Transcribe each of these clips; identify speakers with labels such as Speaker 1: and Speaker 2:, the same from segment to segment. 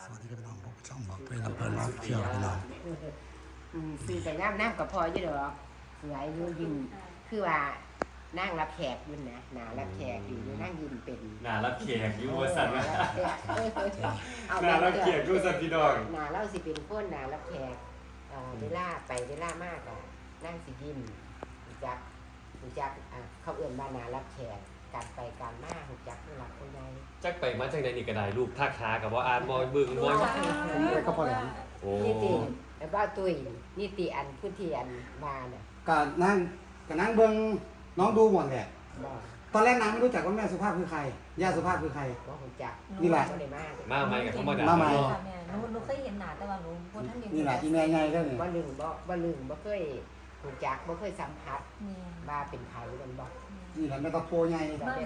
Speaker 1: วัสดีครับพี่น้องผมช่องบอกเป็นลำเพลินร้องเที่ยวพี่น้อง
Speaker 2: สื่อแต่น้ำกับพออยู่ดอกสวยอยู่ยินคือว่านั่งรับแขกอยู่นะหนารับแขกอยู่นั่งยินเป็น
Speaker 3: หนารับเขียกอยู่ว่าสั่นว่า
Speaker 2: เอา
Speaker 3: หนารับเขียกอยู่สั่นพี่น้อง
Speaker 2: หนาเล่าสิเป็นคนหนารับแขกเวลาไปเวลามากอะนั่งสิยินหูจักเขาเอื่นบ้านนารับแขกการไปการมาหูจักผู้หลักผู้ใหญ่
Speaker 3: จักไปมาจากไหนนี่ก็ได้ลูกท่าขากับว่าอ่านมอยบึงมอย
Speaker 1: ผมเลยก็พอแล้ว
Speaker 3: โอ้
Speaker 2: นี่ตีแล้วบ้าตุ้ยนี่ตีอันผู้ที่อันมาเนี่ย
Speaker 1: ก็นั่งเบิ่งน้องดูหมดแหละ
Speaker 2: บอก
Speaker 1: ตอนแรกน้ำไม่รู้จักว่าแม่สุภาพคือใครย่าสุภาพคือใคร
Speaker 2: ว่าหูจัก
Speaker 1: นี่แหละ
Speaker 2: บ่ได้มาก
Speaker 3: มาใหม่กับธรรมดา
Speaker 1: มาใหม่
Speaker 3: เนาะ
Speaker 4: ค่ะแม่หนูเคยเห็นหน้าแต่ว่าหนูบ่ทันได้
Speaker 1: นี่แหละอีแม่ไงก็เนี่ย
Speaker 2: บ่ลืมบ่เคยหูจักบ่เคยสัมผัส
Speaker 4: นี่
Speaker 2: ว่าเป็นไผมันบ่
Speaker 1: นี่แหละแม่ตะโพไง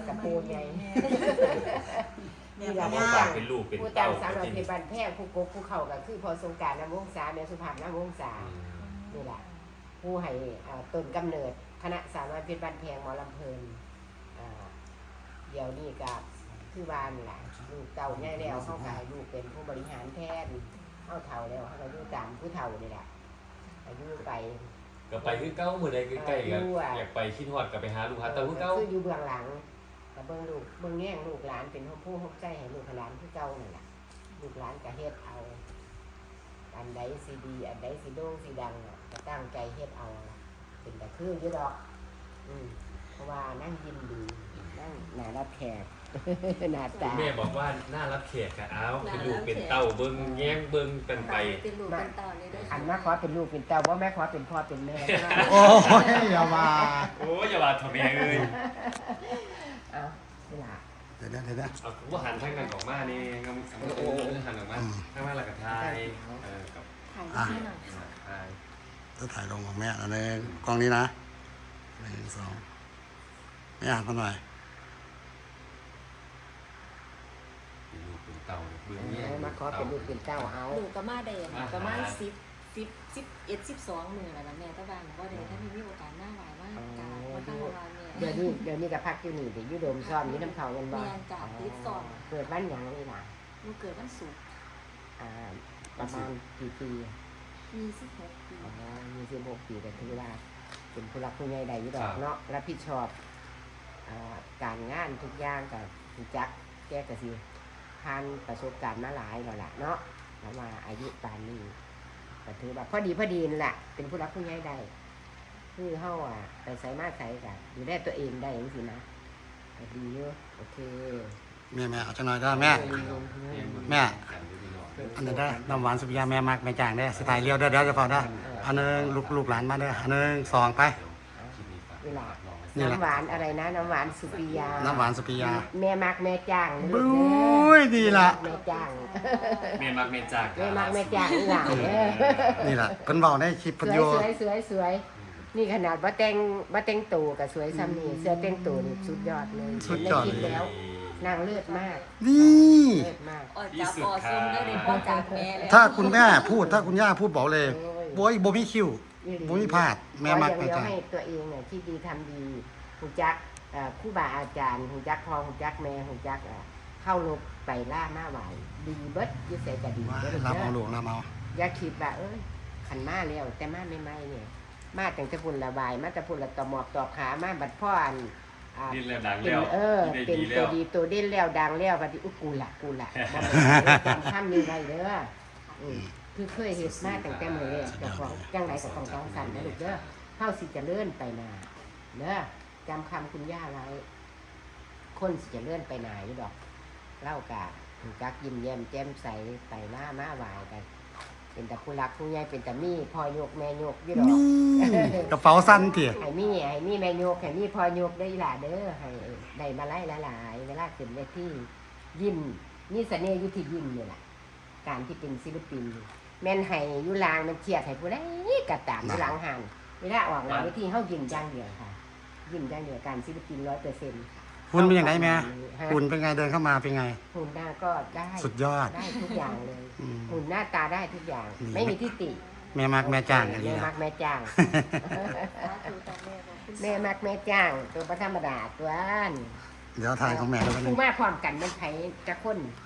Speaker 2: นี่แหละ
Speaker 3: ผู้ฝากเป็นลูกเป็น
Speaker 2: ผู้
Speaker 3: เต้า
Speaker 2: จำสาวน้อยเพชรบ้านแพงผู้กกผู้เข้าก็คือพอสงกรานต์น้ำวงศาแม่สุภาพน้ำวงศานี่แหละผู้ให้ต้นกำเนิดคณะสาวน้อยเพชรบ้านแพงหมอลำเพลินเดี๋ยวนี้ก็คือว่านี่แหละลูกเต่าใหญ่แล้วเขาก็ให้ลูกเป็นผู้บริหารแทนเขาเฒ่าแล้วเขาก็อยู่ตามผู้เฒ่านี่แหละอายุไป
Speaker 3: ก็ไปคือเก้ามื้อใดใกล้ๆกันอยากไปคิดฮอดก็ไปหาลูกหาเต้าคือเก้า
Speaker 2: คืออยู่เบื้องหลังแต่เบื้องลูกเบื้องแง่งลูกหลานเป็นผู้หกใจให้ลูกหลานคือเก่านั่นแหละลูกหลานก็เฮ็ดเอาอันใดสิดีอันใดสิโด่งสิดังก็ตั้งใจเฮ็ดเอาเป็นแต่คืออยู่ดอกเพราะว่านั่งยินดีนั่งหน้ารับแขก หน้าตา
Speaker 3: แม่บอกว่าน่ารับเขียกก็เอาเป็นลูกเป็นเต้าเบิ่งแย้งเบิ่งกันไป
Speaker 4: เป็นลูกเป็นเต่าเลยเด้อ
Speaker 2: อันมาขอเป็นลูกเป็นเต้าว่าแม่ขอเป็นพ่อเป็นแม่
Speaker 1: โอ้ยอย่ามา
Speaker 3: โอ้ยอย่าว่าทำแม่เอ้ย
Speaker 2: เอานี่ล่ะ
Speaker 1: เดี๋ยวนะ
Speaker 3: เอาว่าหันทางนั้นออกมานี่งามหันออกมาทางนั้นแล้วก็ทายกับ
Speaker 4: ถ่ายที่หน่อย
Speaker 3: ทาย
Speaker 1: จะถ่ายลงของแม่แล้วในกล้องนี้นะ1 2ไม่อ่านมาหน่อย
Speaker 3: เป็นลูกเป็นเต้าเบิ่งแย้ง
Speaker 2: มาขอเป็นลูกเป็นเต้าเอา
Speaker 4: ลูกก็มาได้ประมาณ11 12มื้อแล้วนะแม่แต่ว่าหนูบ่ได้ถ้ามีโอกาสหน้าหวายมากกาบ่ทันว่าแม่
Speaker 2: เดี๋ยวนี้ก็พักอยู่นี่เดี๋ยวอยู่โดมซ้อมอยู่น้ำเขาเงินบ่
Speaker 4: แม่จ้ะติดซ้อม
Speaker 2: เกิดวันหยังนี่ล่ะ
Speaker 4: หนูเกิดวันศุกร์
Speaker 2: ประมาณกี่ปี
Speaker 4: 26 ปี
Speaker 2: 26 ปีก็ถือว่าเป็นผู้รักผู้ใหญ่ใดอยู่ดอกเนาะรับผิดชอบการงานทุกอย่างกับรู้จักแก้กระสิผ่านประสบการณ์มาหลายแล้วล่ะเนาะแล้วมาอายุปานนี้ก็ถือว่าพอดีนั่นแหละเป็นผู้รักผู้ใหญ่ใดคือเฮาไปใส่มาใส่กันอยู่ได้ตัวเองได้จังซี่นะก็ดีอยู่โอเค
Speaker 1: แม่เอาจังหน่อยได้แม่ แม่ อันนี้ได้น้ำหวานสุริยาแม่มักแม่จางได้สไตล์เลี้ยวได้จะพอได้อันนึงลูกหลานมาได้อันนึง2ไป
Speaker 2: นี่ล่ะ
Speaker 1: นี่แหละ
Speaker 2: น้ำหวานอะไรนะน้ำหวานสุปิยา
Speaker 1: น้ำหวานสุริยา
Speaker 2: แม่มักแม่จ้างนะลู
Speaker 1: บุ
Speaker 2: กเด้
Speaker 1: ้ยดีละ
Speaker 2: แม่จ้าง
Speaker 3: เมียมักเมียจาก
Speaker 2: แม่มักแม่จ้างนี่ล่ะเด้อ
Speaker 1: นี่แหละเพิ่นเว้าในคลิป
Speaker 2: ส
Speaker 1: เพิ่น
Speaker 2: วย
Speaker 1: อยู่
Speaker 2: สวยนี่ขนาดว่าแต่งตัวกับสวยซ้ำนี่เสื้อแต่งตัวนี่สุดยอดเลยเห็นในคลิปแล้วนางเลิศมาก
Speaker 1: นี่
Speaker 2: เลิศมาก
Speaker 4: อ๋อจับอ๋อซุ่มได้เลยพ่อจากแม่แล้ว
Speaker 1: ถ้าคุณแม่พูดถ้าคุณย่าพูดบอกเลยโว้ยบ่มีคิว บ่มีพลาดแม่มัก
Speaker 2: ขอ
Speaker 1: แม่
Speaker 2: อย่างเดียว
Speaker 1: จ้าง
Speaker 2: ให้ตัวเองเนี่ยที่ดีทำดีหูจักครูบาอาจารย์หูจักพ่อหูจักแม่หูจักเข้ารบไปล่ามาไหวดีเบิดอยิ่ใส่กะดี
Speaker 1: ว่า
Speaker 2: เบิด
Speaker 1: รับ
Speaker 2: เด้
Speaker 1: เอา
Speaker 2: อ
Speaker 1: หลวงรับเอา
Speaker 2: อย่าคิดว่าขันมาแล้วแต่มาไม่ไม่เนี่ยมาตั้งแต่พุ่นระบายมาแต่พุ่นละตอหมอบตอบขามาบัดพ่ออัน
Speaker 3: ดินแล้วดัง
Speaker 2: เป็
Speaker 3: แล้
Speaker 2: น
Speaker 3: ว
Speaker 2: เป็น
Speaker 3: ดีแล้
Speaker 2: ตัว
Speaker 3: ว
Speaker 2: ดีตัวเด่นแล้วดังแล้วบัดนี้กูละบ่แม่นจำคำนี้ไว้เด้อคือเคยเฮ็ดมาตั้งแต่มื้อแรกเจ้าของจังไดก็ต้องจังสั่นนะลูกเด้อเฮาสิเจะเลื่อนไปหน้าเด้อจำคำคุณย่าไว้คนสิจะเลื่อนไปหน้าอยู่ดอกเล่ากะจักยิ้มแย้มแจ่มใสไปมาไหวกัน เป็นแต่ผู้รักผู้ใหญ่เป็นแต่มีพ่อยกแม่ยกอยู่ดอก
Speaker 1: นี่กระเป๋าสั้นเถี่ย
Speaker 2: ให้มีแม่ยกให้มีพ่อยกได้ล่ะเด้อให้ได้มาไล่หลายๆเวลาขึ้นเวทียิ้มมีเสน่ห์อยู่ที่ยิ้มนี่แหละการที่เป็นศิลปินแม่นให้อยู่ลางมันเครียดให้ผู้ใดก็ตามอยู่หลังหันเวลาออกหลังเวทีเฮายิ้มอย่างเดียวค่ะยิ้มอย่างเดียวการศิลปิน 100%
Speaker 1: คุณเป็นยังไงแม่คุณเป็นไงเดินเข้ามาเป็นไง
Speaker 2: หุ่นหน้าก็ได้
Speaker 1: สุดยอด
Speaker 2: ได้ทุกอย่างเลย
Speaker 1: อืม
Speaker 2: หุ่นหน้าตาได้ทุกอย่าง
Speaker 1: นี่
Speaker 2: ไม่มีที่ติ
Speaker 1: แม่มักแม่จ้างอัน
Speaker 2: แม่
Speaker 1: นี้
Speaker 2: มั
Speaker 1: นะ
Speaker 2: กแม่จ้าง
Speaker 4: สาธุจากแม่บอกคุณ
Speaker 2: แม่มักแม่จ้าง ตัวประธรรมดาตัวอัน
Speaker 1: เดี๋ยวถ่ายของแม่แล้วกัน
Speaker 2: ผู้มาพร้อมกันมันไผจะคน
Speaker 1: ข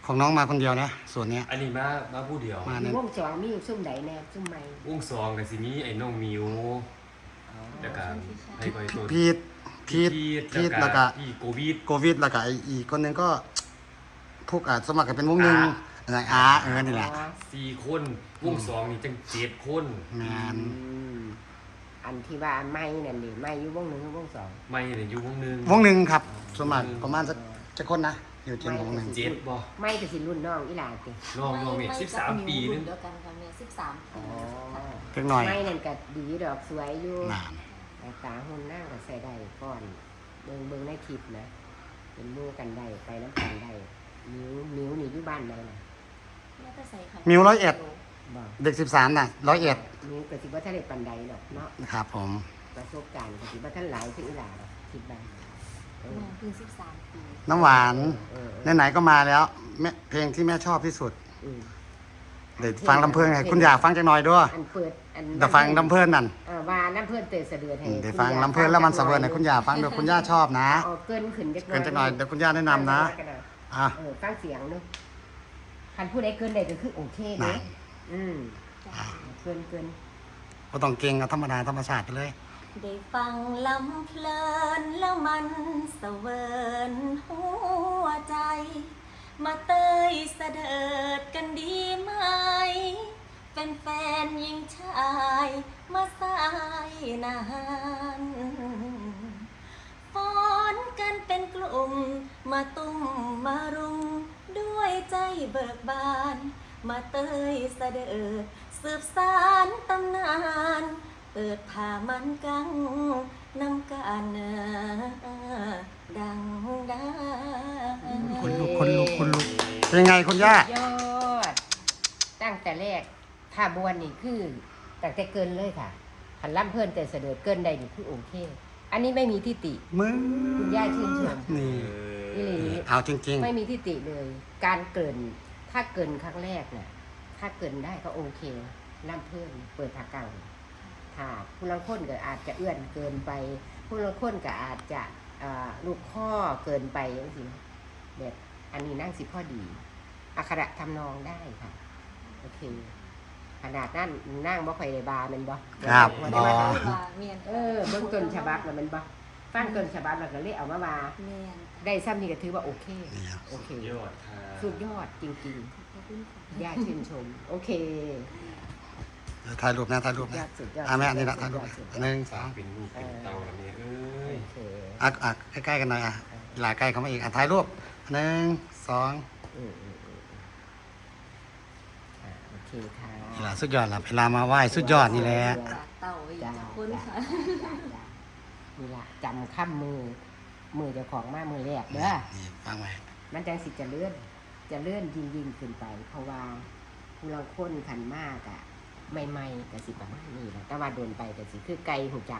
Speaker 1: ของน้องมาคนเดียวนะส่วนเนี้ย
Speaker 3: อันนี้มาผู้เดียว
Speaker 1: มา
Speaker 2: มี
Speaker 1: เนี่ยว
Speaker 2: งสองมีอยู่ซุ่มใดแน่ซุ่มใหม่
Speaker 3: วงสองกับสิมีไอ้น้องมิวแล้วก็ไอ้คอยตัว
Speaker 1: พีทแล้วก็
Speaker 3: พี่โควิด
Speaker 1: โควิดแล้วก็อีกคนหนึงก็พวกสมัครกันเป็นวงหนึ่งอะไรนี่แหละ
Speaker 3: 4 คนวงสองนี่จัง7 คน
Speaker 1: งาน
Speaker 2: อันที่ว่าไม่นั่นดิไม่อยู่วงหนึ่งวงสอง
Speaker 3: ไม่เนี่ยอยู่วงหนึง
Speaker 1: วงหนึ่งครับสมัครประมาณจะคนนะอยู่เจนวงหนึ่ง
Speaker 3: 7บ่
Speaker 2: ไม่ก็สิรุ่นน้องอีหลาติ
Speaker 3: น้องนี่13 ปีนึง
Speaker 4: เดียวกันค่ะแม่13 ปี
Speaker 1: เล็กหน่อย
Speaker 2: ไม่นั่นก็ดีดอกสวยอยู่
Speaker 1: นาน
Speaker 2: แต่ตาหุ่นนั่งก็ใส่ได้ก่อนเบิ่งในคลิปนะเป็นหมู่กันได้ไปน้ำกันได้นิ้วนี่อยู่บ้านไหนน่ะ
Speaker 4: แม่ก็ใส่ค่ะ
Speaker 1: มิว101
Speaker 2: บอก
Speaker 1: เด็ก13น่ะ101
Speaker 2: นิ้วก็สิบ่ทันได้ปานใดหรอกเนาะ
Speaker 1: นะครับผม
Speaker 2: ประสบการณ์ก็สิบ่ทันหลายคืออีหลาหรอกคิดบ้าง
Speaker 4: น้องเพิ่ง13 ปี
Speaker 1: น้ำหวาน
Speaker 2: เออ
Speaker 1: ไหนๆก็มาแล้วแม่เพลงที่แม่ชอบที่สุด
Speaker 2: อืม
Speaker 1: เดี๋ยวฟังลำเพลินให้คุณอยากฟังจังหน่อยด้วย
Speaker 2: อันเปิดอัน
Speaker 1: เดี๋ยวฟังลำเพลินนั่น
Speaker 2: ว่าน้ำเพื่อนเตยเสดือดให้
Speaker 1: เดี๋ยวฟังลำเพลินแล้วมันสะเบิดให้คุณอยากฟังเดี๋ยวคุณย่าชอบนะ
Speaker 2: เอาเกินขึ้นจัก
Speaker 1: เกินจังหน่อยเดี๋ยวคุณย่าแนะนำนะอ่ะ
Speaker 2: ฟังเสียงเนึกคันพูดได้เกินได้ก็คือโอเคเด้อืมเกิน
Speaker 1: ก็ต้องเก่งเอาธรรมดาธรรมชาติไปเลย
Speaker 4: ได้ฟังลำเพลินแล้วมันเสวินหัวใจ มาเตยเสดิดกันดีไหมเป็นแฟนหญิงชายมาสายนานฟ้อนกันเป็นกลุ่มมาตุ้มมารุมด้วยใจเบิกบาน มาเตยเสดิดสืบสานตำนานเปิดผ้ามันกังนำกันดังดา
Speaker 1: คนลุกเป็นไงคุณย่า
Speaker 2: ยอดตั้งแต่แรกถ้าบวนนี่คือตั้งแต่เกินเลยค่ะคันล่ำเพื่อนเตยเสดือดเกินได้นี่คือโอเค อันนี้ไม่มีทิฏฐิ
Speaker 1: มึง
Speaker 2: คุณย่าชื่นชม
Speaker 1: นี่
Speaker 2: อีหลี
Speaker 1: เอาจริง
Speaker 2: ไม่มีทิฏฐิเลย การเกินถ้าเกินครั้งแรกน่ะถ้าเกินได้ก็โอเคล่ำเพื่อนเปิดผักกังถ้าผู้ลังคนก็อาจจะเอื้อนเกินไปผู้ลังคนก็อาจจะลูกข้อเกินไปอย่างสิแบบอันนี้นั่งสิพ่อดีอักขระทำนองได้ค่ะโอเคขนาดนั้นนั่งบ่ค่อยได้บาแมันบ่
Speaker 1: ครับ
Speaker 2: บ่ได้มา
Speaker 1: บ่
Speaker 4: เมียน
Speaker 2: เบื้องต้นฉบับแล้วแมันบ่ฟังต้นฉบับแล้วก็เลยเอามาว่า
Speaker 4: เมียน
Speaker 2: ได้ซ้ำนี่ก็ถือว่าโอเค
Speaker 1: นี่ครับ
Speaker 2: โอเค
Speaker 3: ยอดค่ะ
Speaker 2: สุดยอดจริง
Speaker 4: ขอบคุณค่ะ
Speaker 2: ๆย่าชื่นชม โอเค
Speaker 1: เดี๋ยวถ่ายรูปนะถ่ายรูป
Speaker 2: สุดยอ
Speaker 1: นะ
Speaker 2: ดสุดยอด
Speaker 1: แม่อันนี้ละถ่ายรูป
Speaker 2: สุดยอด
Speaker 1: หนึ่งส
Speaker 3: ฝา
Speaker 1: อก ง
Speaker 3: เป็นลูกเป็นเตาแล้วเนี่ยเอ้ย
Speaker 2: โอเค
Speaker 1: ใกล้ๆกันหน่อยหลาใกล้เข้ามาอีกถ่ายรูปหนึ่งสอง
Speaker 2: อืมโอเคค่ะ
Speaker 1: นี่ล่ะสุดยอดละเวลามาไหว้สุดยอดนี่แหละ
Speaker 4: จากเต่าอีกจากคนค่ะ
Speaker 2: นี่ล่ะจำข้ามมือเจ้าของมามือแรกเด้อ
Speaker 1: นี่ฟังไว้
Speaker 2: มันจังสิจะเลื่อนยิ่งขึ้นไป เพราะว่าผู้เราค้นขันมากอะใหม่ๆกับสิประมาณนี้แหละแต่ว่าโดนไปกับสิคือไกลหูจัก